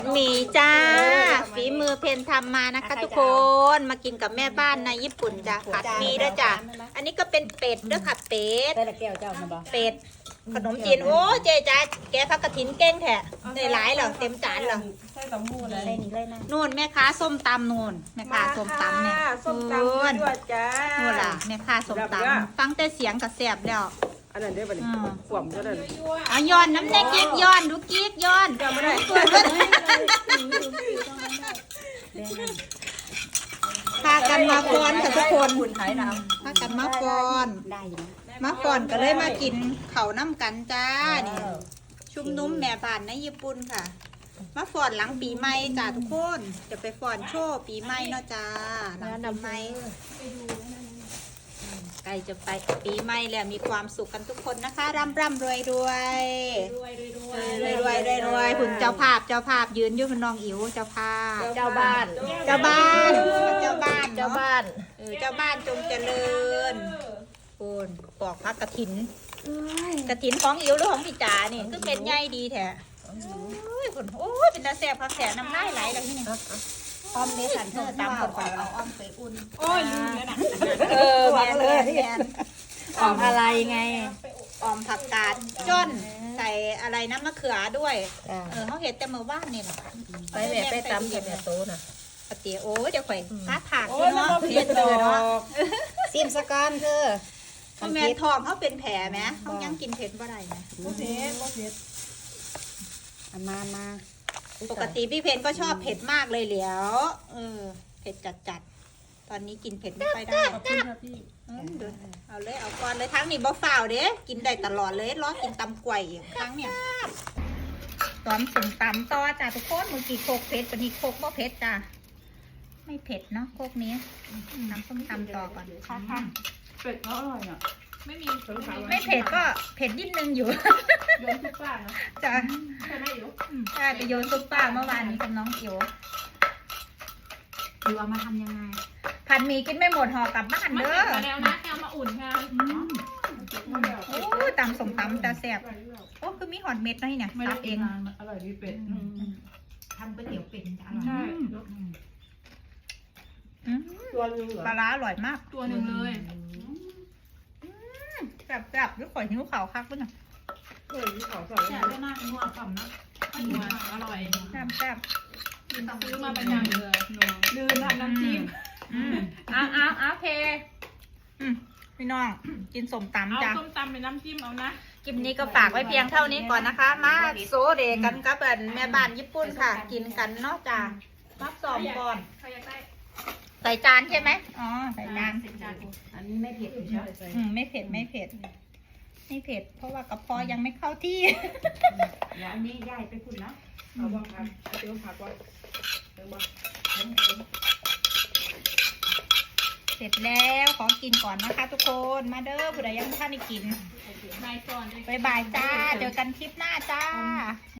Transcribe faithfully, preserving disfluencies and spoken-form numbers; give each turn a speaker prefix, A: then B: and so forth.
A: หมี่จ้าฝีมือเพนทำมานะคะทุกคนมากินกับแม่บ้านในญี่ปุ่นจ้ะผัดหมี่ด้วยจ้ะอันนี้ก็เป็นเป็ดด้วยค่ะเป็ด
B: ได้ละแก้วเจ้ามาบ่
A: เป็ดขนมจีนโอ้เจ๊จ้าแกพักกระถินเก้งแท้ได้หลายเหรอเต็มจานเหรอ
C: ใส่สมูนเลย
B: เลยนี่เลยนะ
A: นู่นแม่ค้าส้มตำนู่นแม่ค้าส้มตำเนี่ย
C: ส้มตำ
A: นู่น
C: ด้วยจ้า
A: นู่นล่ะแม่ค้าส้มตำฟังแต่เสียงกับแสบแล้ว
C: อันนั้นได้ป่ะนี่ขวมก็ได้
A: เอาย้อนน้ำแดงกิ๊กย้อนดูกิ๊กย้อน
C: จำไม่ได้
A: พากันมาฟ้อนค่ะทุกคน
C: คุณขายน้
A: พากันมาฟ้อน
B: ได้อยู่นะ
A: มาฟ้อนก็เลยมากินเขาวน้ำกันจ้านี่ชุมนุมแม่บ้านในญี่ปุ่นค่ะ มาฟ้อนหลังปีใหม่จ้าทุกคนจะไปฟ้อนโชว์ปีใหม่เนาะจ้าหลังปีใหม่ใกล้จะไปปีใหม่แล้วมีความสุขกันทุกคนนะคะร่ำร่ำรวยรวยรวยรวยรวยรวยรวยคุณเจ้าภาพเจ้าภาพยืนอยู่คุณน้องอิ๋วเจ้าภาพ
B: เจ้าบ้าน
A: เจ้าบ้านเจ้าบ้าน
B: เจ้า
A: เนาะ
B: บ้าน
A: เออเจ้าบ้านจงเจริญคุณปอกพักกระถินกระถินของอิ๋วหรือของพี่จ๋านี่คือเป็นใหญ่ดีแท้โอ้ยคุณโอ้ยเป็นตาแซ่บพักแสบน้ำลายไหลแล้วที่นี่
B: อ้อมเด้สันเธอตามคนก่อน
A: เอาอ้อมไปอุ่น
C: ำโอ้ยลืมแล้วนะ
A: เออแมนแมนแมน
B: อ้อมอะไรไง
A: ออมผักกาดจ้นใส่อะไรน้ำมะเขือด้วย
B: จ้า
A: เออเขาเห็ดแต่เมื่อวานนี่แหละ
B: ไปแม่ไปตำกับแม่โตน่ะ
A: ปะเตี๋ยวโอ้ยเดี๋ยวข่อยค้าถาก
C: โอ้ยมัน
A: เนาะ
C: ก็
A: เผ็
C: เผ็
A: ด
C: ด
A: เล
C: ดอย
A: เนาะ
C: ก
B: ซิมสกันเธอ
A: เขาแมนทองเขาเป็นแผลไหมเขายังกินเผ็ดบ่ได้ไหม
C: บ่เผ็ดบ่เผ็ด
B: เอามามา
A: ปกติพี่เพนก็ชอบเผ็ดมากเลยเหลียวเออเผ็ดจัดจัดๆตอนนี้กินเผ็ดไม่ค่อยได้
C: ขอบคุณครับพี่
A: เออเดี๋ยวเอาเลยเอาก่อนเลยทั้งนี้บ่ฝ่าวเด้กินได้ตลอดเลยรอกินตำกล้วยอีกครั้งเนี่ยตอนสุ่มตำต่อจ้าทุกคนมือกี่โคกเผ็ดปนี้โคกบ่เผ็ดจ้าไม่เผ็ดเนาะโคกนี้น้ำส้มตำต่อก่อนค่ะค่ะ
C: เป็ดเขาอร่อยอ่ะไม่มีสงสาร
A: ไม่เผ็ดก็เผ็ดนิดนึงอยู่
C: โยนทุกป้านะ
A: จ้า
C: ใช่ไหมอยู่
A: ใช่ไปโยนซุปป้าเมื่อวานนี้กับน้องอิ๋ว
B: ดูเอามาทำยังไง
A: ผัดหมี่กินไม่หมดห่อกลับบ้าน
D: มา
A: เด้
D: เก็บ
A: อ
D: มาแล้วนะแกเอามาอุ่นค่ะ
A: โอ้ยตำสมตำตาแซ่บโอ้คือมีหอดเม็ดนะนี่เนี่ย
C: ไม่
A: ตั
C: ได้
A: บ
C: เอ
A: เอง ง
C: อร่อยดีเป็ด
B: ทำก๋วยเตี๋ยวเป็ดจะอร่อย
C: ใช่
A: อืม
C: ตัวนึงเหรอ
A: ปลาร้าอร่อยมาก
D: ตัวหนึ่งเลย
A: แซ่บแซ่บด้วยข่อยหิวข่าวคักด้วยนะ
C: เฮ้ยที่เขาใส่
D: แฉะได้มากนัวกล่อมนะนัวอร่อย
A: แซ่บแซ่บ
D: ซื้อมาประจำเลยนัว
C: ลืมทำน้ำจิ้ม
A: อืมเอ้าวอ้าวอ้าวเพอืมพี่น้องกินสม
D: เอา
A: ตำจ้ะ
D: ส้มตำเป็นน้ำจิ้มเอานะ
A: คลิปนี้ก็ฝากไว้เพียงเท่านี้ก่อนนะคะ มาโซเดกันกับเอิ้นแม่บ้านญี่ปุ่นค่ะ กินกันเนาะจ้ะรับสองก่อน
D: ใครอยากได้
A: ใส่จานใช่ไหมอ๋อใส่จาน
D: สิบจาน
B: อันนี้ไม่เผ็ดอยู่ใช่ไหม
A: อืมไม่เผ็ดไม่เผ็ดไม่เผ็ด เพราะว่ากระเพาะยังไม่เข้าที่
B: เดี๋ยวอันนี้ย่ายไปคุณนะ
C: เอาบ้างครับเอาเดี๋ยวผักไว้เดี๋ยวมา
A: เสร็จแล้วขอกินก่อนนะคะทุกคนมาเด้อผู้ใดยังไม่ทันได้กิน
D: นายก่อนเลย
A: บ๊ายบายจ้า เจอกันคลิปหน้าจ้า